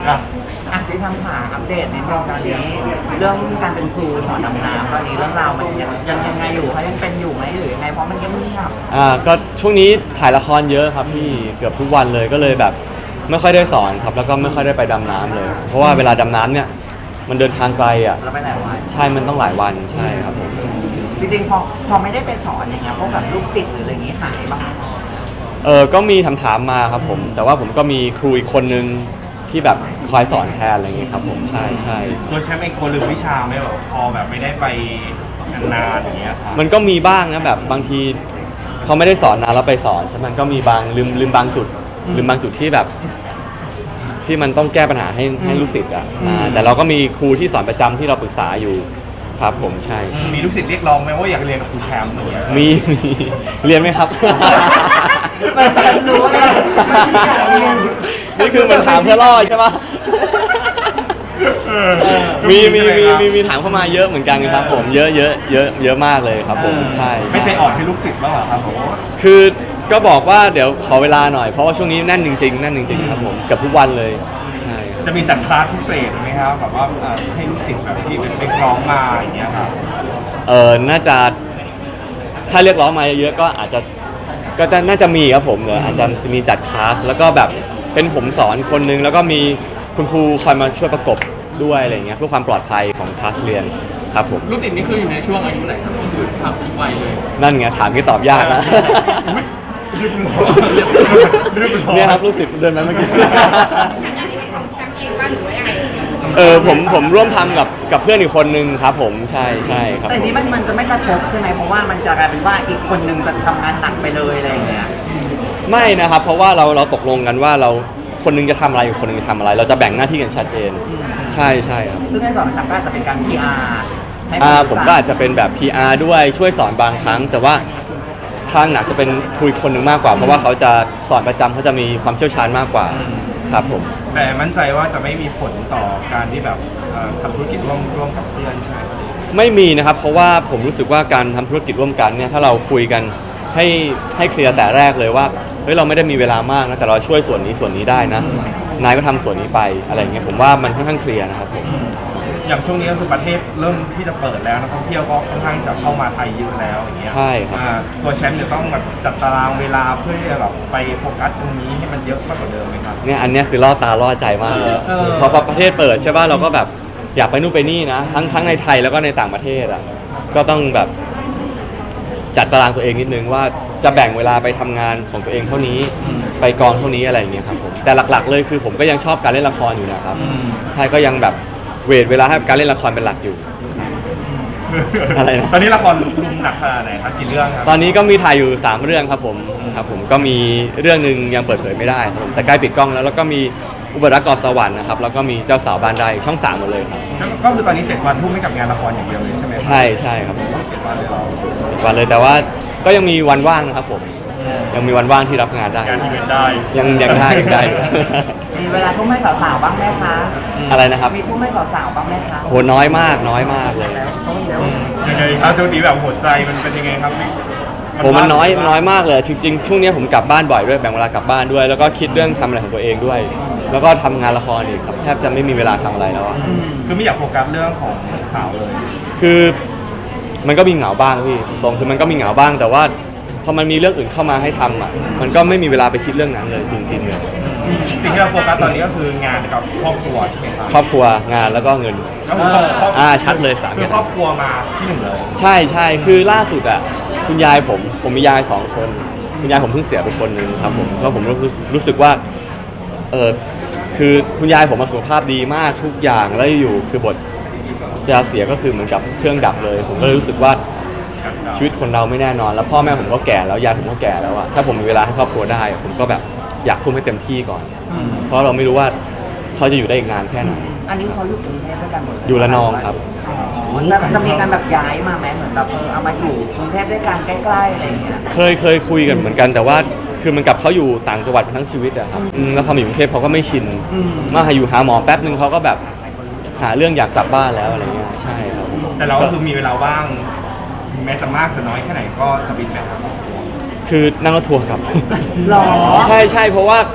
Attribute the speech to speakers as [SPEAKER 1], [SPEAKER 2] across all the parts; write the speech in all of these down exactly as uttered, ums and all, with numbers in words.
[SPEAKER 1] อ่ะ
[SPEAKER 2] อ่ะที่ทำหาอัปเดตในเรื่องตอนนี้เรื่องการเป็นครูสอนดำน้ำตอนนี้เรื่องราวมันยังยังยังไงอยู่คะยังเป็นอยู่ไหมหรือยังไงเพราะมันเงียบ
[SPEAKER 3] อ่าก็ช่วงนี้ถ่ายละครเยอะครับพี่เกือบทุกวันเลยก็เลยแบบไม่ค่อยได้สอนครับแล้วก็ไม่ค่อยได้ไปดำน้ำเลย เพราะว่าเวลาดำน้ำเนี่ยมันเดินทางไกลอ่ะ
[SPEAKER 2] ๆเราไปไหนวะ
[SPEAKER 3] ใช่มันต้องหลายวันใช่ครับผม
[SPEAKER 2] จริงๆพอพอไม่ได้ไปสอนอย่างเงี้ยพวกแบบลูกศิษย์หรืออะไรอย่างงี้หายบ้างไหม
[SPEAKER 3] เออก็มีถามถามๆมาครับผมแต่ว่าผมก็มีครูอีกคนนึงที่แบบคอยสอนแทนอะไรอย่างเงี้ยครับผมใช่ใช่
[SPEAKER 1] ตัวแชมป์เองกลัวลืมวิชาไหมแบบพอแบบไม่ได้ไปนานๆอย่างเงี้ยครับ
[SPEAKER 3] มันก็มีบ้างนะแบบบางทีเขาไม่ได้สอนนานแล้วไปสอนใช่ไหมมันก็มีบางลืมลืมบางจุดลืมบางจุดที่แบบ ที่มันต้องแก้ปัญหาให้ให้ลูกศิษย์อ่ะอ่าแต่เราก็มีครูที่สอนประจำที่เราปรึกษาอยู่ครับผมใช่ใช่
[SPEAKER 1] มีลูกศิษย์เรียกร้องไหมว่าอยากเรียนกับครูแชมป์อย่างเงี้ย
[SPEAKER 3] มีมีเรียนไหมครับ
[SPEAKER 2] มันจะรู้เลยมันไม่อยากเรียน
[SPEAKER 3] นี่คือมันถามเพื่อล่อใช่ปะ
[SPEAKER 1] เออ
[SPEAKER 3] มีมีมี
[SPEAKER 1] ใช่ไห
[SPEAKER 3] มีมีถามเข้ามาเยอะเหมือนกันครับผมเยอะเยอะเยอะเยอะมากเลยครับผมใช่
[SPEAKER 1] ไม่ใจอ่อนให้ลูกศิษย์บ้างเหรอครับผม
[SPEAKER 3] คือก็บอกว่าเดี๋ยวขอเวลาหน่อยเพราะว่าช่วงนี้แน่นจริงๆแน่นจริงๆครับผมกับทุกวันเลยใช่ครับ
[SPEAKER 1] จะมีจัดคลาสพิเศษไหมครับแบบว่าเอ่อให้ลูกศิษย์แบบที่เป็นเรียกร้องมาอย่างเงี้ยครับ
[SPEAKER 3] เออน่าจะถ้าเรียกร้องมาเยอะๆก็อาจจะก็จะน่าจะมีครับผมเนอะอาจจะมีจัดคลาสแล้วก็แบบเป็นผมสอนคนนึงแล้วก็มีคุณครูคอยมาช่วยประกบด้วยอะไรอย่างเงี้ยเพื่อความปลอดภัยของคลาสเรียนครับผม
[SPEAKER 4] ลูกศิษย์นี่คืออยู่ในช่วงอายุไหนครับก็คือทำทุกวัยเลย
[SPEAKER 3] นั่นไงถามที่ตอบยากนะ
[SPEAKER 1] รีบร้อนรีบร้อน
[SPEAKER 3] เนี่ยครับลูกศิษย์เดินมาเมื่อกี้
[SPEAKER 5] อันนี้เป็นของแชมป์เองบ้างหรือว่ายังไง
[SPEAKER 3] เออผมผมร่วมทำกับกับเพื่อนอีกคนนึงครับผมใช่ใช่ครับ
[SPEAKER 2] แต่
[SPEAKER 3] ผม
[SPEAKER 2] นี้มันมันจะไม่กระทบใช่ไหมเพราะว่ามันจะกลายเป็นว่าอีกคนนึงจะทำงานหนักไปเลยอะไรอย่างเงี้ย
[SPEAKER 3] ไม่นะครับเพราะว่าเราเราตกลงกันว่าเราคนนึงจะทำอะไรอีกคนนึงจะทำอะไร เราจะแบ่งหน้าที่กันชัดเจนใช่ใช่ครับ
[SPEAKER 2] ซึ่งในสอนชักก็อาจจะเป็นการ พี อาร์ ให้
[SPEAKER 3] อ่า
[SPEAKER 2] ผู้
[SPEAKER 3] ผม
[SPEAKER 2] ศึษ
[SPEAKER 3] ก็อาจจะเป็นแบบ พี อาร์ ด้วยช่วยสอนบางครั้ง แต่ว่าทางหนักจะเป็นคุยคนหนึ่งมากกว่า เพราะว่าเขาจะสอนประจำเขาจะมีความเชี่ยวชาญมากกว่าครับผม
[SPEAKER 1] แต่มั่นใจว่าจะไม่มีผลต่อการที่แบบเอ่อทำธุรกิจร่วมร่วมกับเพื่อนใช่ไหมครับ
[SPEAKER 3] ไม่มีนะครับเพราะว่าผมรู้สึกว่าการทำธุรกิจร่วมกันเนี่ยถ้าเราคุยกันให้ให้เคลียร์แต่แรกเลยว่าเฮ้ยเราไม่ได้มีเวลามากนะแต่เราช่วยส่วนนี้ส่วนนี้ได้นะนายก็ทำส่วนนี้ไปอะไรอย่างเงี้ยผมว่ามันค่อนข้างเคลียร์นะครับผม
[SPEAKER 1] อย่างช่วงนี้ก็คือประเทศเริ่มที่จะเปิดแล้วนักท่องเที่ยวก็ค่อนข้างจะเข้ามาไทยเยอะแล้วอย่างเงี้ย
[SPEAKER 3] ใช่ครับ
[SPEAKER 1] อ่าตัวแชมป์จะต้องแบบจัดตารางเวลาเพื่อที่จะแบบไปโฟกัสตรงนี้ให้มันเยอะมากกว่าเดิมไหมครับ
[SPEAKER 3] เนี่ยอันเนี้ยคือล่อตาล่อใจมากเลย
[SPEAKER 1] เออ
[SPEAKER 3] พอพอประเทศเปิดใช่ป่ะเราก็แบบอยากไปนู่นไปนี่นะทั้งทั้งในไทยแล้วก็ในต่างประเทศอ่ะก็ต้องแบบจัดตารางตัวเองนิดนึงว่าจะแบ่งเวลาไปทำงานของตัวเองเท่านี้ไปกองเท่านี้อะไรอย่างเงี้ยครับผมแต่หลักๆเลยคือผมก็ยังชอบการเล่นละครอยู่นะครับ
[SPEAKER 1] อืม
[SPEAKER 3] ใช่ก็ยังแบบเวทเวลาให้กับการเล่นละครเป็นหลักอยู่ อะไรนะ
[SPEAKER 1] ตอนนี้ละครลุมหนักขนาดไหนครับกี่เรื่องครับ
[SPEAKER 3] ตอนนี้ก็มีถ่ายอยู่สามเรื่องครับผมครับผมก็มีเรื่องหนึ่งยังเปิดเผยไม่ได้ครับผมแต่ใกล้ปิดกล้องแล้วแล้วก็มีอุบัติรักกอสวรรค์นะครับแล้วก็มีเจ้าสาวบ้านไร่ช่องสามหมดเลยครับ
[SPEAKER 1] ก็คือตอนนี้เจ็ดวันทุ่มให้กับงานละครอย่างเดียวเลยใช่ไหมครับ
[SPEAKER 3] ใช่ใช่ครับผม
[SPEAKER 1] เจ็ดวันเลยเรา
[SPEAKER 3] วันเลยแต่ว่าก็ยังมีวันว่างนะครับผมยังมีวันว่างที่รับงานได้
[SPEAKER 1] งานที่เป็นได้
[SPEAKER 3] ยังยังได้ยังได้อยู่
[SPEAKER 2] มีเวลาทุ่มให้สาวๆบ้างไหมคะ
[SPEAKER 3] อะไรนะครับ
[SPEAKER 2] มีทุ่มให้สาวๆบ้างไหมคะ
[SPEAKER 3] โหน้อยมากน้อยมากเลย
[SPEAKER 2] แล้วต้องเดี๋ยว
[SPEAKER 1] ยังไงครับช่วงนี้แบบหัวใจมันเป็นยังไงครับ
[SPEAKER 3] โหมันน้อยน้อยมากเลยจริงๆช่วงนี้ผมกลับบ้านบ่อยด้วยแบ่งเวลากลับบ้านด้วย แล้วก็คิดเรื่องทำอะไรของตัวเองด้วย แล้วก็ทำงานละครอีกครับแทบจะไม่มีเวลาทำอะไรแล้วอะ
[SPEAKER 1] คือไม่อยากโฟกัสเรื่องของสาวเลย
[SPEAKER 3] คือมันก็มีเหงาบ้างพี่ตรงคือมันก็มีเหงาบ้าง แต่ว่าพอมันมีเรื่องอื่นเข้ามาให้ทำอ่ะมันก็ไม่มีเวลาไปคิดเรื่องนั้นเลยจริงๆเลย
[SPEAKER 1] สิ่งที่เราโฟกัสตอนนี้ก็คืองานกับครอบครัวใช่ไหมครับ
[SPEAKER 3] ครอบครัวงานแล้วก็เงิน
[SPEAKER 1] ก็คือครอบครอบ
[SPEAKER 3] อ่าชัดเลยสาม
[SPEAKER 1] คือ
[SPEAKER 3] อย่าง
[SPEAKER 1] ครอบครัวมาที่หนึ่งเลย
[SPEAKER 3] ใช่ใช่คือล่าสุดอ่ะคุณยายผมผมมียายสองคนคุณยายผมเพิ่งเสียไปคนหนึ่งครับผมเพราะผมรู้สึกรู้สึกว่าเออคือคุณยายผมมาสุขภาพดีมากทุกอย่างแล้วอยู่คือบทจะเสียก็คือเหมือนกับเครื่องดับเลย ผมก็เลยรู้สึกว่าชีวิตคนเราไม่แน่นอน แล้วพ่อแม่ผมก็แก่แล้วยายผมก็แก่แล้วอะถ้าผมมีเวลาให้ครอบครัวได้ ผมก็แบบอยากทุ่มให้เต็มที่ก่อน เพราะเราไม่รู้ว่าเขาจะอยู่ได้อีกนานแค่ไหน
[SPEAKER 2] อันนี้เขาอยู่กรุงเทพด้วยกันหมดเลย
[SPEAKER 3] อยู่ระนองครับ
[SPEAKER 2] อ๋อจะจะมีการแบบย้ายมาไหมเหมือนแบบเออเอามาอยู่กรุงเทพด้วยกันใกล้ๆอะไรอย่างเงี้ย
[SPEAKER 3] เคยเคยคุยกันเหมือนกันแต่ว่าคือมันกับเขาอยู่ต่างจังหวัดมาทั้งชีวิตอะครับอืมแล้วพอมาอยู่กรุงเทพเขาก็ไม่ชิน
[SPEAKER 2] อืม
[SPEAKER 3] มาหาอยู่หาหมอแป๊บนึงเขาก็แบบหาเรื่องอยากกลับบ้านแล้วอะไรเงี้ยใช่ครับ
[SPEAKER 1] แต่เราก็คือมีเวลาว่างแม้จะมากจะน้อยแค่ไหนก็จะบินไปหาครอบครัว
[SPEAKER 3] คือนั่งรถทัวร์กลับ
[SPEAKER 2] หรอ
[SPEAKER 3] ใช่ใช่เพราะว่า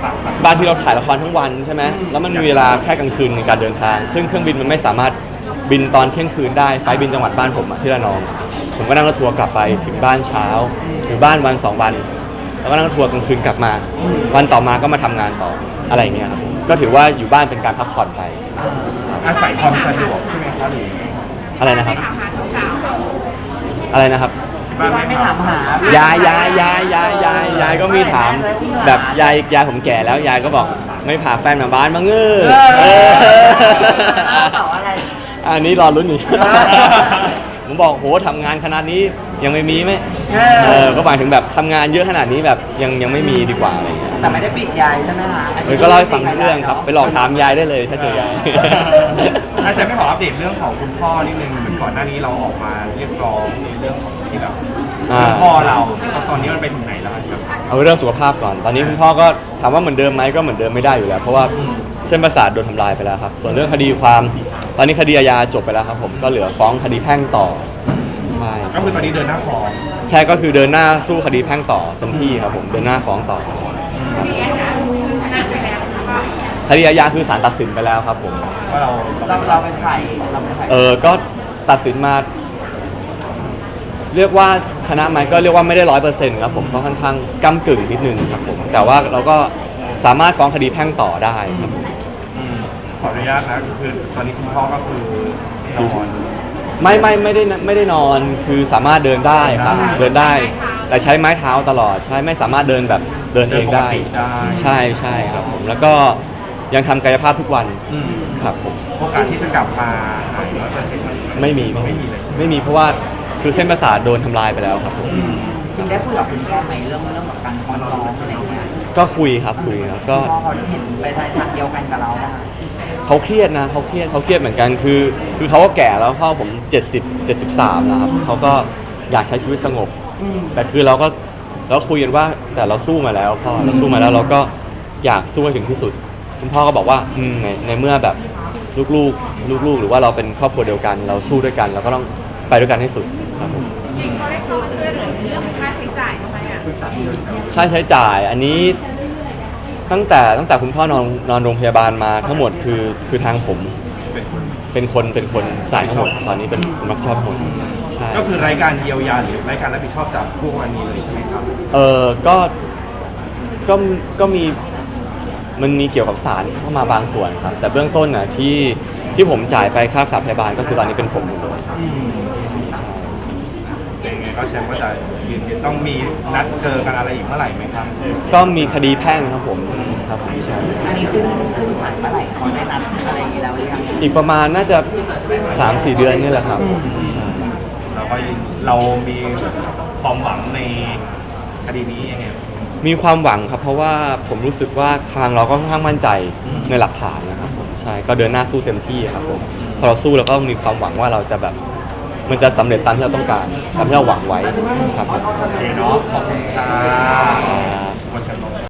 [SPEAKER 3] บางทีเราถ่ายละครทั้งวันใช่ไหมแล้วมันมีเวลาแค่กลางคืนในการเดินทาง ซึ่งเครื่องบินมันไม่สามารถบินตอนเที่ยงคืนได้ไฟล์บินจังหวัดบ้านผมอะที่ระนอง ผมก็นั่งรถทัวร์กลับไปถึงบ้านเช้าอยู่บ้านวันสองวัน แล้วก็นั่งรถทัวร์กลางคืนกลับมา วันต่อมาก็มาทำงานต่ออะไรอย่างเงี้ยครับก็ถือว่าอยู่บ้านเป็นการพักผ่อนไป
[SPEAKER 1] อาศัยความสะดวกใช่ไหมครับหรือ
[SPEAKER 3] อะไรนะครับ
[SPEAKER 5] ถามหาสาว
[SPEAKER 3] อะไรนะครับ
[SPEAKER 1] บ้าน
[SPEAKER 2] ไม่
[SPEAKER 1] ไม่
[SPEAKER 2] ถา
[SPEAKER 1] ถาม ม
[SPEAKER 2] หาย
[SPEAKER 3] ายยายยายยายยายยายก็มีถามแบบยายยายผมแก่แล้วยายก็บอกไม่พาแฟนมาบ้านมาเงื้อเออ
[SPEAKER 2] เต่าอะไร
[SPEAKER 3] อันนี้รอลุ้นอยู่ ผมบอกโหทำงานขนาดนี้ยังไม่มีไหมเออก็หมายถึงแบบทำงานเยอะขนาดนี้แบบยังยังไม่มีดีกว่าอะไรอย่างเงี้ย
[SPEAKER 2] แต่ไม่ได้ปิดยายใช่ไหมคะ
[SPEAKER 3] เออก็เล่าให้ฟังทุกเรื่องครับไปหลอกถามยายได้เลยถ้าเจอยาย
[SPEAKER 1] ถ้าฉันไม่ขออัปเดตเรื่องของคุณพ่อนิดนึงเหมือนก่อนหน้านี้เราออกมาเรียกร้องในเรื่องของที่แบบ
[SPEAKER 3] อ่า
[SPEAKER 1] คุณพ่อเราตอนนี้มันไปถึงไหนแล้วครับ
[SPEAKER 3] เอาเรื่องสุขภาพก่อน ตอนนี้คุณพ่อก็ถามว่าเหมือนเดิมไหมก็เหมือนเดิมไม่ได้อยู่แล้ว เพราะว่าเส้นประสาทโดนทำลายไปแล้วครับ ส่วนเรื่องคดีความ ตอนนี้คดีอาญาจบไปแล้วครับผม ก็เหลือฟ้องคดีแพ่งต่อ ใช่
[SPEAKER 1] ก็คือตอนนี้เดินหน้าฟ้อง
[SPEAKER 3] ใช่ก็คือเดินหน้าสู้คดีแพ่งต่อเต็มที่ครับผม เดินหน้าฟ้องต่อ
[SPEAKER 5] ๆนี่นะคือชนะไปแล้วแล้วก็
[SPEAKER 3] คดีอาญาคือศาลตัดสินไปแล้วครับผม
[SPEAKER 1] ว่าเรา
[SPEAKER 2] เราเราเป็นใครเราเป็นใคร
[SPEAKER 3] เออก็ตัดสินมา เรียกว่าชนะไหมก็เรียกว่าไม่ได้ร้อยเปอร์เซ็นต์ครับผมก็ค่อนข้างก้ากึ่งนิดนึงครับผมแต่ว่าเราก็สามารถฟ้องคดีแพ่งต่อได้ครับผม
[SPEAKER 1] อืมขออนุญาตนะคือตอนนี้คุณพ่อก็คือนอน
[SPEAKER 3] ไม่ไม่ไม่ได้ไม่ได้นอนคือสามารถเดินได้ครับเดินได้ แต่ใช้ไม้เท้าตลอดใช้ไม่สามารถเดินแบบเดินเองได้
[SPEAKER 1] เดินปกติได้
[SPEAKER 3] ใช่ใช่ครับผมแล้วก็ยังทำกายภาพทุกวัน
[SPEAKER 1] อืม
[SPEAKER 3] ครับผม
[SPEAKER 1] โอกาสที่จะกลับมาหายร้อยเปอร์เซ็นต์
[SPEAKER 3] ไม่มี
[SPEAKER 1] ไม่มีเลยใช่ไหม
[SPEAKER 3] ไม่มีเพราะว่าคือเส้นประสาทโดนทำลายไปแล้วครับผม
[SPEAKER 1] อืม
[SPEAKER 2] จริงได้คุยกับคุณพ่อไหมเรื่องเรื่องแบบการฟ้องร้องอะไรอย่างเงี้ย
[SPEAKER 3] ก็คุยครับคุยครับก็
[SPEAKER 2] พ่อเขาเห็นไปทางเดียวกันกับเราป่ะ
[SPEAKER 3] เขาเครียดนะเขาเครียดเขาเครียดเหมือนกันคือ คือเขาก็แก่แล้วพ่อผมเจ็ดสิบ เจ็ดสิบสามแล้วครับเขาก็อยากใช้ชีวิตสงบ แต่คือเราก็เราคุยกันว่าแต่เราสู้มาแล้วพ่อเราสู้มาแล้วเราก็อยากสู้ให้ถึงที่สุดคุณพ่อก็บอกว่าอืมในในเมื่อแบบลูกๆลูกๆ หรือว่าเราเป็นครอบครัวเดียวกัน เราสู้ด้วยกันเราก็ต้องไปด้วยกันให้สุดครับผม
[SPEAKER 5] จริงเขาได้เข้ามาช่วยเหลือในเรื่องของค่าใช้จ่ายทำไมอ่ะ
[SPEAKER 3] ค่าใช้จ่ายอันนี้ตั้งแต่ตั้งแต่คุณพ่อนอนนอนโรงพยาบาลมาทั้งหมดคือคือทางผม
[SPEAKER 1] เป็นคน
[SPEAKER 3] เป็นคนเป็นคนจ่ายทั้งหมดตอนนี้เป็นคนรับผิดชอบทั้งหมดใช่
[SPEAKER 1] ก็คือรายการเยียวยาหรือรายการรับผิดชอบจากพวกวันนี้เลยใช่ไหมครับ
[SPEAKER 3] เออก็ก็ก็มีมันมีเกี่ยวกับสารเข้ามาบางส่วนครับ แต่เบื้องต้นน่ะที่ที่ผมจ่ายไปค่ารักษาพยาบาลก็คือตอนนี้เป็นผมหมดเลย
[SPEAKER 1] อืมยังไงก็แชมป์ก็จะยืนยันต้องมีนัดเจอกันอะไรอีกเมื่อไหร่ไหมครับ
[SPEAKER 3] ก็มีคดีแพ่งครับผมครับผมใช่
[SPEAKER 2] อันนี้ขึ้นขึ้นศาลเมื่อไหร่เขาได้นัดอะไรอย่างงี้แล้วหรือยัง
[SPEAKER 3] อีกประมาณน่าจะ สามสี่ เดือนนี่แหละครับใช่
[SPEAKER 1] เราก็เรามีความหวังในคดีนี้ยังไง
[SPEAKER 3] มีความหวังครับ เพราะว่าผมรู้สึกว่าทางเราก็ค่อนข้างมั่นใจ
[SPEAKER 1] อืม
[SPEAKER 3] ในหลักฐานนะครับผมใช่ก็เดินหน้าสู้เต็มที่ครับผมพอเราสู้เราก็มีความหวังว่าเราจะแบบมันจะสำเร็จตามที่เราต้องการตามที่เราหวังไว้ครับผม
[SPEAKER 1] โอเคเนาะขอบคุณค่ะ
[SPEAKER 3] อ่า
[SPEAKER 1] วันเฉลิม